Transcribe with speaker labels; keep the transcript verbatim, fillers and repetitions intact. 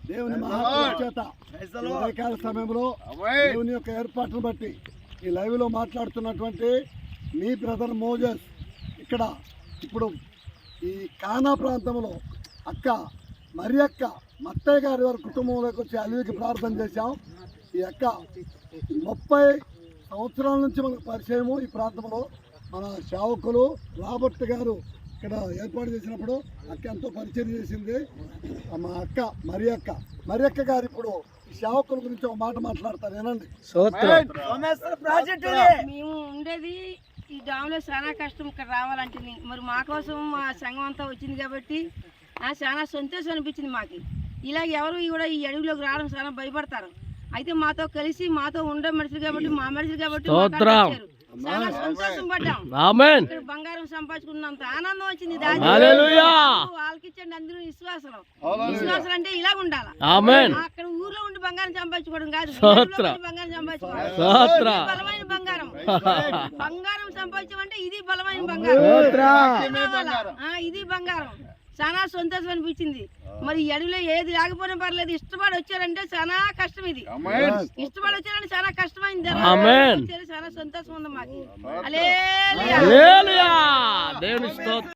Speaker 1: దేవుని మహాత్మ చేత ఉదయకాల సమయంలో దేవుని యొక్క ఏర్పాటును బట్టి ఈ లైవ్ లో మాట్లాడుతున్నటువంటి మీ బ్రదర్ మోజెస్ ఇక్కడ ఇప్పుడు ఈ కానా ప్రాంతంలో అక్క మరి అక్క మత్తయ్య గారి వారి కుటుంబంలోకి వచ్చి అలివికి ప్రార్థన చేశాం. ఈ అక్క ముప్పై సంవత్సరాల నుంచి మనకు పరిచయము. ఈ ప్రాంతంలో మన సేవకులు రాబర్ట్ గారు ఇక్కడ ఏర్పాటు చేసినప్పుడు అక్క ఎంతో పరిచయం చేసింది. మా అక్క మరి అక్క మరి అక్క గారు ఇప్పుడు ఈ సేవకుల గురించి ఒక మాట మాట్లాడతారు. ఏనండి,
Speaker 2: మేము ఉండేది ఈ డామ్లో చాలా కష్టం ఇక్కడ రావాలంటే, మరి మా కోసం మా సంఘం అంతా వచ్చింది కాబట్టి చాలా సంతోషం అనిపించింది మాకు. ఇలాగ ఎవరు కూడా ఈ అడవిలోకి రావడం చాలా భయపడతారు. అయితే మాతో కలిసి మాతో ఉండే మనుషులు కాబట్టి మా మనుషులు కాబట్టి చాలా సంతోషం పడ్డాం. ఇక్కడ బంగారం సంపాదించుకున్నంత ఆనందం వచ్చింది. వాళ్ళకి ఇచ్చండి అందరూ విశ్వాసం. విశ్వాసం అంటే ఇలా ఉండాలి. అక్కడ ఊర్లో ఉండి బంగారం సంపాదించుకోవడం కాదు, బంగారం సంపాదించుకోవడం బలమైన బంగారం. బంగారం సంపాదించమంటే ఇది బలమైన బంగారం, ఇది బంగారం. చాలా సంతోషం అనిపించింది. మరి ఈ అడవిలో ఏది లేకపోయినా పర్లేదు, ఇష్టపడి వచ్చారంటే చాలా కష్టం. ఇది ఇష్టపడి వచ్చారంటే చాలా కష్టమైంది. చాలా సంతోషం ఉంది మాకు. హల్లెలూయా.